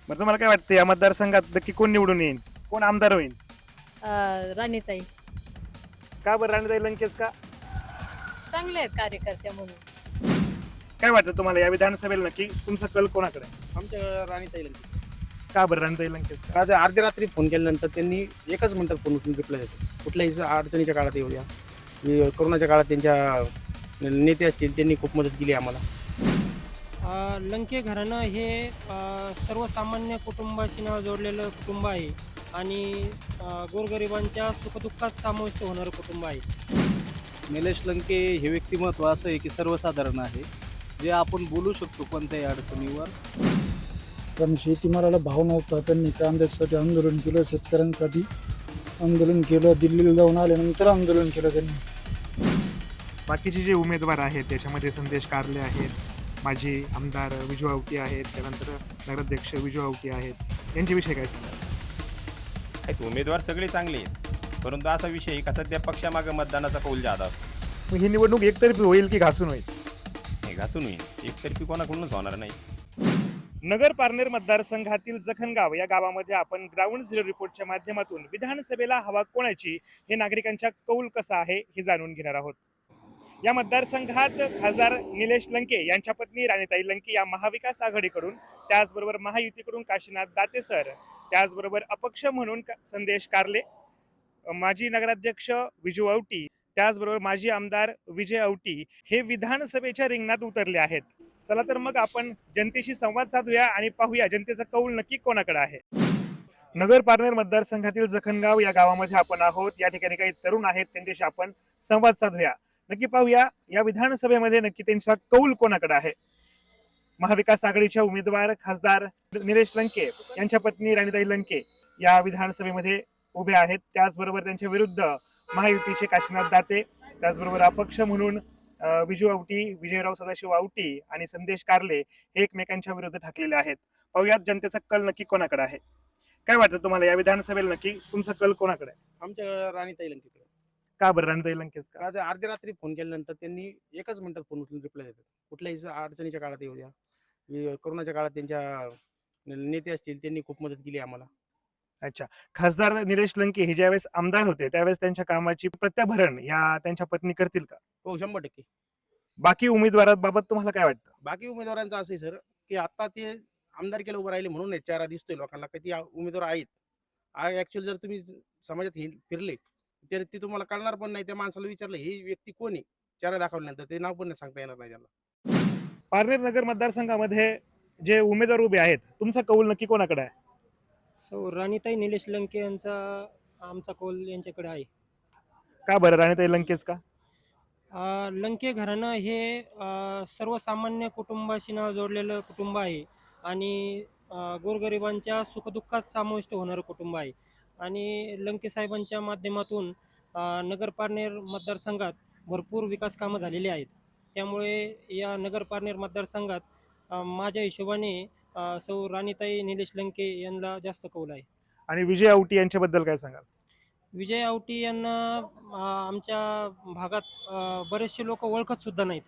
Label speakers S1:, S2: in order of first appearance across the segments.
S1: बरं तुम्हाला काय वाटतं या मतदारसंघात नक्की कोण निवडून येईल, कोण आमदार होईल?
S2: राणीताई
S1: का बरं राणीताई लंकेश का?
S2: चांगले आहेत कार्यकर्ते म्हणून.
S1: काय वाटतं तुम्हाला या विधानसभेला नक्की तुमचा कल कोणाकडे आहे?
S3: आमच्या राणीताई लंके.
S1: का बरं राणीताई लंकेश का?
S3: का ते अर्ध्या रात्री फोन केल्यानंतर त्यांनी एकच मिनिटात फोन उचलून रिप्लाय देतो. कुठल्याही अडचणीच्या काळात येऊ द्या. कोरोनाच्या काळात त्यांच्या नेते असतील त्यांनी खूप मदत केली आम्हाला.
S4: लंके घराणं हे सर्वसामान्य कुटुंबाशी नाव जोडलेलं कुटुंब आहे आणि गोरगरिबांच्या सुखदुःखात समाविष्ट होणारं कुटुंब आहे.
S5: निलेश लंके हे व्यक्तिमत्व असं आहे की सर्वसाधारण आहे, जे आपण बोलू शकतो कोणत्याही अडचणीवर.
S6: कारण शेतीमालाला भाव नव्हता, त्यांनी कांद्यासाठी आंदोलन केलं, शेतकऱ्यांसाठी आंदोलन केलं, दिल्लीला जाऊन आल्यानंतर आंदोलन केलं त्यांनी.
S1: बाकीचे जे उमेदवार आहेत त्याच्यामध्ये संदेश कारले आहेत, माजी आमदार विजू आवटी आहेत, त्यानंतर नगराध्यक्ष विजू आवटी आहेत, यांच्याविषयी काय सांगाल?
S7: आहेत उमेदवार सगळे चांगले आहेत, परंतु असा विषय आहे का सध्या पक्षामागं मतदानाचा कौल जादा असतो.
S1: मग ही निवडणूक एकतर्फी होईल की घासून होईल?
S7: हे घासून होईल, एकतर्फी कोणाकडूनच होणार नाही.
S1: नगर पारनेर मतदारसंघातील जखणगाव या गावामध्ये आपण ग्राउंड झिरो रिपोर्टच्या माध्यमातून विधानसभेला हवा कोणाची हे नागरिकांच्या कौल कसा आहे हे जाणून घेणार आहोत. या मतदारसंघात खासदार निलेश लंके यांच्या पत्नी राणीताई लंके या महाविकास आघाडीकडून, त्याचबरोबर महायुतीकडून काशीनाथ दातेसर, त्याचबरोबर अपक्ष म्हणून संदेश कारले, माजी नगराध्यक्ष विजू आवटी, त्याचबरोबर माजी आमदार विजय आवटी हे विधानसभेच्या रिंगणात उतरले आहेत. चला तर मग आपण जनतेशी संवाद साधूया आणि पाहूया जनतेचा कौल नक्की कोणाकडे आहे. नगर पारनेर मतदारसंघातील जखणगाव या गावामध्ये आपण आहोत. या ठिकाणी काही तरुण आहेत, त्यांच्याशी आपण संवाद साधूया. नक्की पाहूया या विधानसभेमध्ये नक्की त्यांचा कौल कोणाकडे आहे. महाविकास आघाडीच्या उमेदवार खासदार निलेश लंके यांच्या पत्नी राणीताई लंके या विधानसभेमध्ये उभे आहेत. त्याचबरोबर त्यांच्या विरुद्ध महायुतीचे काशीनाथ दाते, त्याचबरोबर अपक्ष म्हणून विजू आवटी, विजयराव सदाशिव आवटी आणि संदेश कारले हे एकमेकांच्या विरुद्ध ठाकलेले आहेत. पाहुयात जनतेचा कल नक्की कोणाकडे आहे. काय वाटतं तुम्हाला या विधानसभेला नक्की तुमचा कल कोणाकडे आहे?
S3: आमच्या राणीताई लंकेकडे.
S1: का बरं राणीताई लंकेश का?
S3: का ते अर्ध्या रात्री फोन केल्यानंतर त्यांनी एकच मिनिटात फोन उचलून रिप्लाय देतात. कुठल्याही अडचणीच्या काळात येऊ द्या. कोरोनाच्या काळात त्यांच्या नेते असतील त्यांनी खूप मदत केली आम्हाला.
S1: अच्छा, खासदार निलेश लंके हे ज्यावेळेस आमदार होते त्यावेळेस त्यांच्या कामाची प्रत्याभरण या त्यांच्या पत्नी करतील का?
S3: हो, 100%.
S1: बाकी उमेदवारांबाबत तुम्हाला काय वाटतं?
S3: बाकी उमेदवारांचं असं आहे सर, की आता ते आमदारकीला उभं राहिले म्हणून चेहरा दिसतोय लोकांना की ती उमेदवार आहेत. ऍक्च्युअली जर तुम्ही समाजात फिरले तर ते तुम्हाला कळणार पण नाही. त्या माणसाला विचारलं ही व्यक्ती कोण आहे, चेहरा दाखवल्यानंतर ते नाव पण नाही सांगता येणार नाही त्याला.
S1: पारनेर नगर मतदारसंघामध्ये जे उमेदवार उभे आहेत, तुमचा कौल नक्की कोणाकडे आहे?
S4: सो राणीताई निलेश लंके यांचा आमचा कौल यांच्याकडे आहे.
S1: का बरं राणीताई लंकेच का?
S4: लंके घराणं हे सर्वसामान्य कुटुंबाशी नाव जोडलेलं कुटुंब आहे आणि गोरगरिबांच्या सुखदुःखात समाविष्ट होणारं कुटुंब आहे. आणि लंके साहेबांच्या माध्यमातून नगर पारनेर मतदारसंघात भरपूर विकास कामं झालेली आहेत. त्यामुळे या नगर पारनेर मतदारसंघात माझ्या हिशोबाने सौ राणीताई निलेश लंके यांना जास्त कौल आहे.
S1: आणि विजय आवटी यांच्याबद्दल काय सांगाल?
S4: विजय आवटी यांना आमच्या भागात बरेचसे लोक ओळखत सुद्धा नाहीत.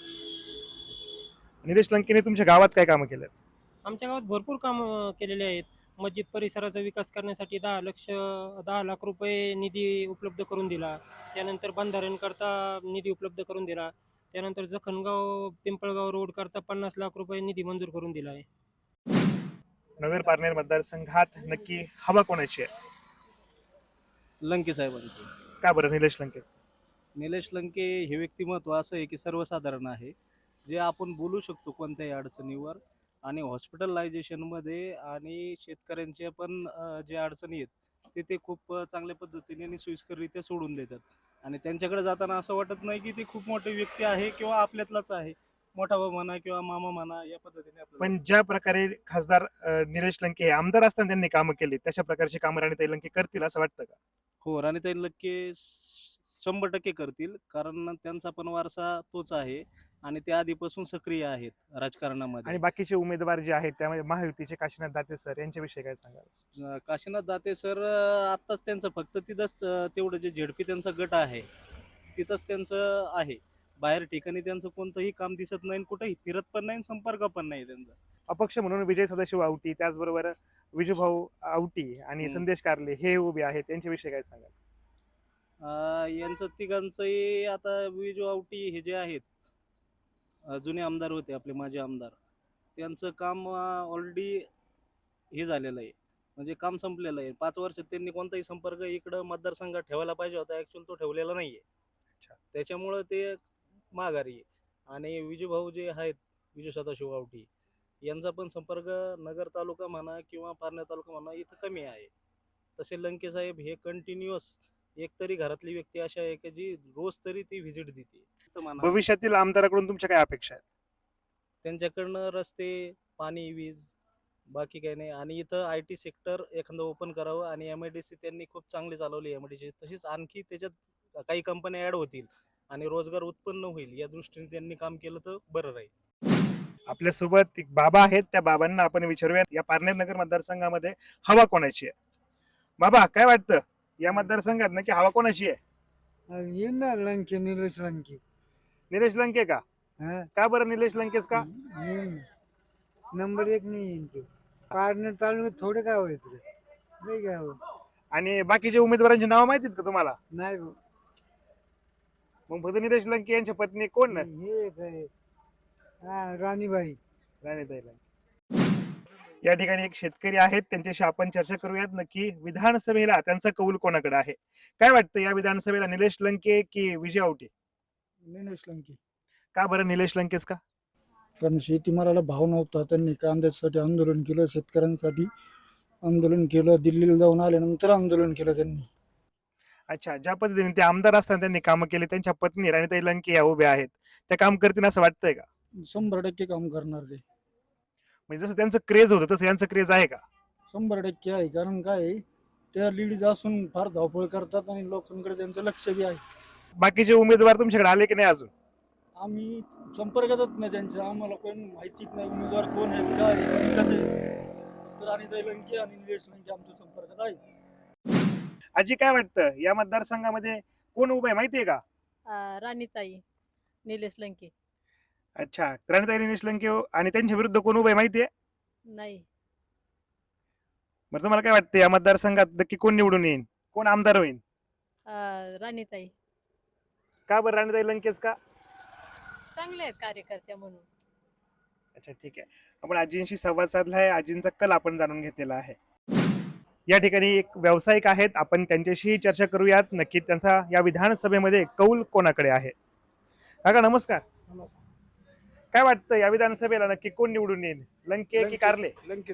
S1: निलेश लंकेने तुमच्या गावात काय कामं केलं?
S4: आमच्या गावात भरपूर कामं केलेले आहेत. मस्जिद परिसराचा विकास करण्यासाठी 10 लाख रुपये निधी उपलब्ध करून दिला. त्यानंतर बंधाऱ्यांकरता निधी उपलब्ध करून दिला. त्यानंतर जखणगाव पिंपळगाव रोड करता 50 लाख रुपये निधी मंजूर करून दिला आहे.
S1: नगर पारनेर मतदारसंघात नक्की हवा कोणाची आहे?
S5: लंके साहेबांचे.
S1: का बरं निलेश लंकेच?
S5: निलेश लंके हे व्यक्तिमत्व असं आहे की सर्वसाधारण आहे, जे आपण बोलू शकतो कोणत्याही अडचणीवर. आणि हॉस्पिटलायझेशनमध्ये आणि शेतकऱ्यांच्या पण जे अडचणी आहेत ते खूप चांगल्या पद्धतीने आणि सोयीस्कररित्या सोडून देतात. आणि त्यांच्याकडे जाताना असं वाटत नाही की ते खूप मोठे व्यक्ती आहे किंवा आपल्यातलाच आहे, मोठा भाऊ म्हणा किंवा मामा म्हणा, या पद्धतीने आपल्याला.
S1: पण ज्या प्रकारे खासदार निलेश लंके हे आमदार असताना त्यांनी कामं केली, तशा प्रकारची कामं राणीताई लंके करतील असं वाटतं का?
S5: हो, राणीताई लंके 100% करतील, कारण त्यांचा पण वारसा तोच आहे आणि ते आधीपासून सक्रिय आहेत राजकारणामध्ये.
S1: आणि बाकीचे उमेदवार जे आहेत त्यामध्ये महायुतीचे काशीनाथ दाते सर यांच्याविषयी काय सांगाल?
S5: काशीनाथ दाते सर आत्ताच त्यांचं फक्त तिथंच तेवढं जे झेडपी त्यांचा गट आहे तिथंच त्यांचं आहे. बाहेर ठिकाणी त्यांचं कोणतंही काम दिसत नाही, कुठेही फिरत पण नाही, संपर्क पण नाही त्यांचा.
S1: अपक्ष म्हणून विजय सदाशिव आवटी, त्याचबरोबर विजूभाऊ आवटी आणि
S5: हम्म.
S1: संदेश कारले हे उभे आहेत, त्यांच्याविषयी काय सांगाल?
S5: यांचं तिघांचंही आता विजू आवटी हे जे आहेत, जुने आमदार होते आपले माजी आमदार, त्यांचं काम ऑलरेडी हे झालेलं आहे, म्हणजे काम संपलेलं आहे. 5 वर्षात त्यांनी कोणताही संपर्क इकडं मतदारसंघात ठेवायला पाहिजे होता, ऍक्च्युअल तो ठेवलेला नाहीये.
S1: अच्छा.
S5: त्याच्यामुळं ते माघारी आहे. आणि विजूभाऊ जे आहेत, विजू सदाशिव आवटी, यांचा पण संपर्क नगर तालुका म्हणा किंवा पारनेर तालुका म्हणा इथं कमी आहे. तसे लंके साहेब हे कंटिन्युअस एक तरी घरातली व्यक्ती अशी आहे की जी रोज तरी ती व्हिजिट देते इथं म्हणा.
S1: भविष्यातील आमदाराकडून तुमच्या काय अपेक्षा आहेत?
S5: त्यांच्याकडनं रस्ते, पाणी, वीज, बाकी काही नाही. आणि इथं IT सेक्टर एखादं ओपन करावं. आणि MIDC त्यांनी खूप चांगली चालवली MIDC, तशीच आणखी त्याच्यात काही कंपन्या ऍड होतील आणि रोजगार उत्पन्न होईल, या दृष्टीने त्यांनी काम केलं तर बरं राहील.
S1: आपल्यासोबत एक बाबा आहेत, त्या बाबांना आपण विचारूयात या पारनेर नगर मतदारसंघामध्ये हवा कोणाची आहे. बाबा, काय वाटतं या मतदारसंघात नक्की हवा कोणाची आहे?
S6: येणार लंके, निलेश लंके.
S1: निलेश लंके का?
S6: हा,
S1: का बरं निलेश लंकेच का?
S6: येईन. नंबर 1 नाही येईन तो. पारनेर तालुक्यात थोडे गाव आहेत रे, लई गाव.
S1: आणि बाकीचे उमेदवारांची नावं माहितीत का तुम्हाला?
S6: नाही भाऊ.
S1: मग फक्त निलेश लंके यांच्या पत्नी कोण?
S6: हे काय, हा, राणीबाई.
S1: राणीताई लंके. या ठिकाणी एक शेतकरी आहेत, त्यांच्याशी आपण चर्चा करूयात नक्की विधानसभेला त्यांचा कौल कोणाकडे आहे. काय वाटतं या विधानसभेला निलेश लंके की विजय आवटे?
S6: निलेश लंके.
S1: का बरं निलेश लंकेच का?
S6: कारण शेतीमालाला भाव नव्हता, त्यांनी कांद्यासाठी आंदोलन केलं, शेतकऱ्यांसाठी आंदोलन केलं, दिल्लीला जाऊन आल्यानंतर आंदोलन केलं त्यांनी.
S1: अच्छा, ज्या पद्धतीने ते आमदार असताना त्यांनी कामं केली, त्यांच्या पत्नी राणीताई लंके या उभ्या आहेत, त्या काम करतील असं वाटतंय का?
S6: 100% काम करणार ते.
S1: म्हणजे जसं त्यांचं क्रेज होतं तसं यांचं क्रेज आहे का?
S6: 100% आहे. कारण काय आहे, त्या लेडीज असून फार धावपळ करतात आणि लोकांकडे त्यांचं लक्ष बी आहे.
S1: बाकीचे उमेदवार तुमच्याकडे आले की नाही अजून?
S6: आम्ही संपर्कातच नाही त्यांच्या, आम्हाला कोण माहितीच नाही उमेदवार कोण आहेत, काय आहे, आणि कसं आहे. तर राणीताई लंके आणि निलेश लंके आमच्या संपर्कात आहे.
S1: आजी, काय वाटतं या मतदारसंघामध्ये कोण उभं आहे माहितीये का?
S2: राणीताई, निलेश लंके.
S1: अच्छा, राणीताई निलेश लंके आणि त्यांच्या विरुद्ध कोण उभं आहे माहितीये?
S2: नाही.
S1: मग तुम्हाला काय वाटतं या मतदारसंघात नक्की कोण निवडून येईल, कोण आमदार होईल?
S2: राणीताई.
S1: का बरं राणीताई लंकेच का?
S2: चांगले आहेत कार्यकर्त्या म्हणून.
S1: अच्छा, ठीक आहे. आपण आजींशी संवाद साधला आहे, आजींचा कल आपण जाणून घेतलेला आहे. या ठिकाणी एक व्यावसायिक आहेत, आपण त्यांच्याशी चर्चा करूयात नक्की त्यांचा या विधानसभेमध्ये कौल कोणाकडे आहे. काका नमस्कार. काय वाटतं या विधानसभेला नक्की कोण निवडून येईल, लंके की कारले?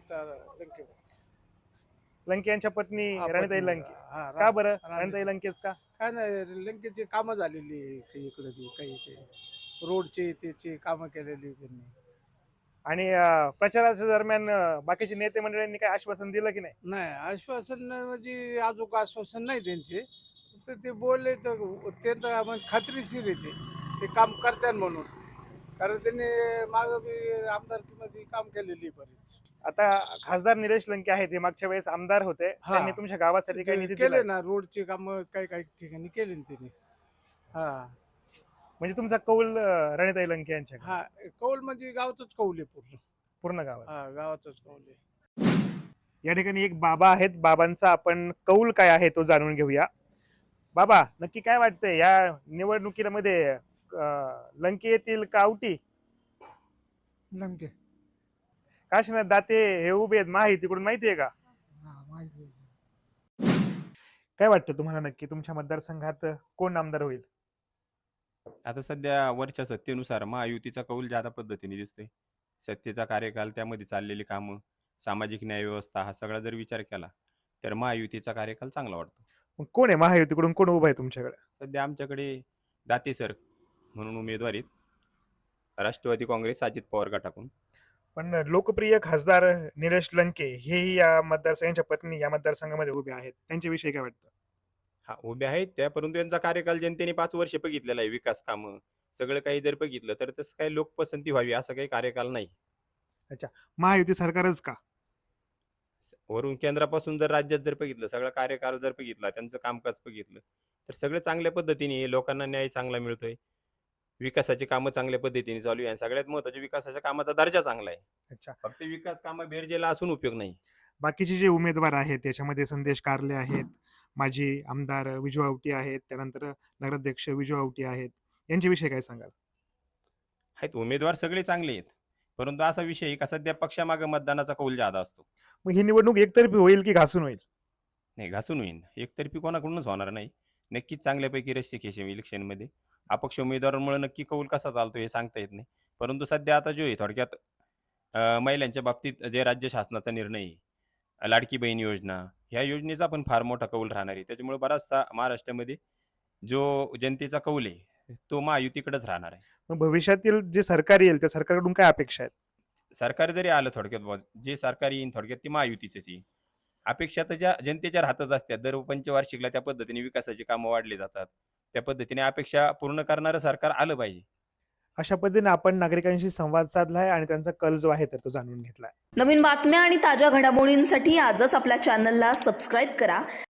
S1: लंके यांच्या पत्नी राणीताई लंके. का बरं राणीताई लंकेच का?
S8: काय नाही, लंकेची कामं झालेली आहे, काही इकडे बी काही ते रोडचे त्याचे कामं केलेली त्यांनी.
S1: आणि प्रचाराच्या दरम्यान बाकीचे नेते मंडळींनी काय आश्वासन दिलं की नाही?
S8: नाही, आश्वासन म्हणजे अजून आश्वासन नाही त्यांचे, फक्त ते बोलले तर त्यांचं म्हणजे खात्रीशीर येते ते काम करतात म्हणून. कारण त्यांनी मागं बी आमदारकीमध्ये काम केलेली बरीच.
S1: आता खासदार निलेश लंके आहेत, हे मागच्या वेळेस आमदार होते,
S8: हा.
S1: त्यांनी तुमच्या गावासाठी काही निधी दिला?
S8: केले ना, रोडचे कामं काही काही ठिकाणी केले ना त्यांनी. हा
S1: म्हणजे तुमचा कौल राणीताई लंके यांच्या
S8: हा, कौल म्हणजे गावचंच कौल आहे पूर्ण.
S1: पूर्ण गावात?
S8: हा, गावाचंच कौल आहे.
S1: या ठिकाणी एक बाबा आहेत, बाबांचा आपण कौल काय आहे तो जाणून घेऊया. बाबा, नक्की काय वाटतंय या निवडणुकीमध्ये लंके येतील का आवटी?
S6: लंके.
S1: काशीनाथ दाते हे उभे आहेत माहितीकडून, माहितीये का?
S6: हा, माहिती आहे.
S1: काय वाटतं तुम्हाला नक्की तुमच्या मतदारसंघात कोण आमदार होईल?
S7: आता सध्या वरच्या सत्तेनुसार महायुतीचा कौल ज्यादा पद्धतीने दिसतोय. सत्तेचा कार्यकाल, त्यामध्ये चाललेली कामं, सामाजिक न्याय व्यवस्था, हा सगळा जर विचार केला तर महायुतीचा कार्यकाल चांगला वाटतो.
S1: मग कोण आहे महायुतीकडून कोण उभं आहे तुमच्याकडे?
S7: सध्या आमच्याकडे दाते सर म्हणून उमेदवार आहेत, राष्ट्रवादी काँग्रेस अजित पवार गटाकडून.
S1: पण लोकप्रिय खासदार निलेश लंके हेही या मतदारसंघाच्या पत्नी या मतदारसंघामध्ये उभे आहेत, त्यांच्याविषयी काय वाटतं?
S7: हा, उभे आहेत त्या, परंतु यांचा कार्यकाल जनतेने 5 वर्ष बघितलेला आहे. विकास कामं सगळं काही जर बघितलं तर तसं काही लोकपसंती व्हावी असं काही कार्यकाल नाही.
S1: महायुती सरकारच का?
S7: वरून केंद्रापासून जर राज्यात जर बघितलं, सगळा कार्यकाल जर बघितला, त्यांचं कामकाज बघितलं तर सगळं चांगल्या पद्धतीने आहे. लोकांना न्याय चांगला मिळतोय. विकासाची कामं चांगल्या पद्धतीने चालू आहे आणि सगळ्यात महत्त्वाचे विकासाच्या कामाचा दर्जा चांगला आहे.
S1: अच्छा.
S7: फक्त विकास कामं बेरजेला असून उपयोग नाही.
S1: बाकीचे जे उमेदवार आहेत त्याच्यामध्ये संदेश कारले आहेत, माजी आमदार विजू आवटी आहेत, त्यानंतर नगराध्यक्ष विजू आवटी आहेत. यांच्याविषयी काय सांगाल?
S7: आहेत उमेदवार सगळे चांगले आहेत. परंतु असा विषय आहे का सध्या पक्षामागे मतदानाचा कौल जादा असतो.
S1: मग ही निवडणूक एकतर्फी होईल की घासून होईल?
S7: नाही घासून होईल. एकतर्फी कोणाकडूनच होणार नाही. नक्कीच चांगल्यापैकी रस्सीखेच इलेक्शनमध्ये. अपक्ष उमेदवारांमुळे नक्की कौल कसा चालतो हे सांगता येत नाही. परंतु सध्या आता जो आहे थोडक्यात महिलांच्या बाबतीत जे राज्य शासनाचा निर्णय आहे, लाडकी बहीण योजना, ह्या योजनेचा पण फार मोठा कौल राहणार आहे. त्याच्यामुळे बराचसा महाराष्ट्रामध्ये जो जनतेचा कौल आहे, तो महायुतीकडेच राहणार आहे.
S1: मग भविष्यातील जे सरकार येईल त्या सरकारकडून काय अपेक्षा आहेत?
S7: सरकार जरी आलं थोडक्यात बुवा, जे सरकार येईन थोडक्यात ते महायुतीचंच येईल. अपेक्षा तर ज्या जनतेच्या राहतच असतात. दर पंचवार्षिकला त्या पद्धतीने विकासाची कामं वाढली जातात. त्या पद्धतीने अपेक्षा पूर्ण करणारं सरकार आलं पाहिजे.
S1: अशा पद्धतीने आपण नागरिकांशी संवाद साधलाय आणि त्यांचा कल जो आहे तर तो जाणून घेतलाय.
S9: नवीन बातम्या आणि ताज्या घडामोडींसाठी आजच आपल्या चॅनलला सबस्क्राईब करा